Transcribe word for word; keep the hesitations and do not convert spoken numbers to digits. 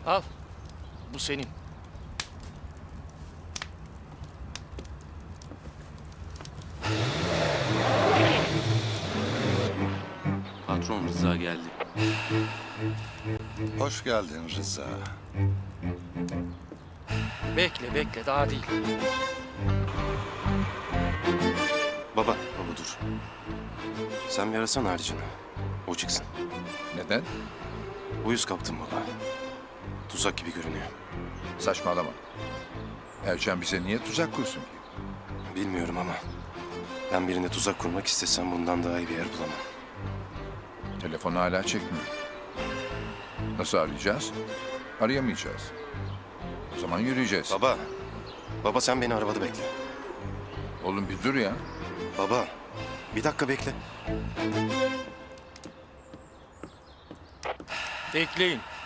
Al. Bu senin. Patron Rıza geldi. Hoş geldin Rıza. Bekle bekle daha değil. Baba, baba dur. Sen bir arasana harcını. O çıksın. Neden? Uyuz kaptım baba. Tuzak gibi görünüyor. Saçmalama. Ercan bize niye tuzak kursun ki? Bilmiyorum ama ben birine tuzak kurmak istesem bundan daha iyi bir yer bulamam. Telefonu hala çekmiyor. Nasıl arayacağız? Arayamayacağız. O zaman yürüyeceğiz. Baba, baba sen beni arabada bekle. Oğlum bir dur ya. Baba, bir dakika bekle. Bekleyin.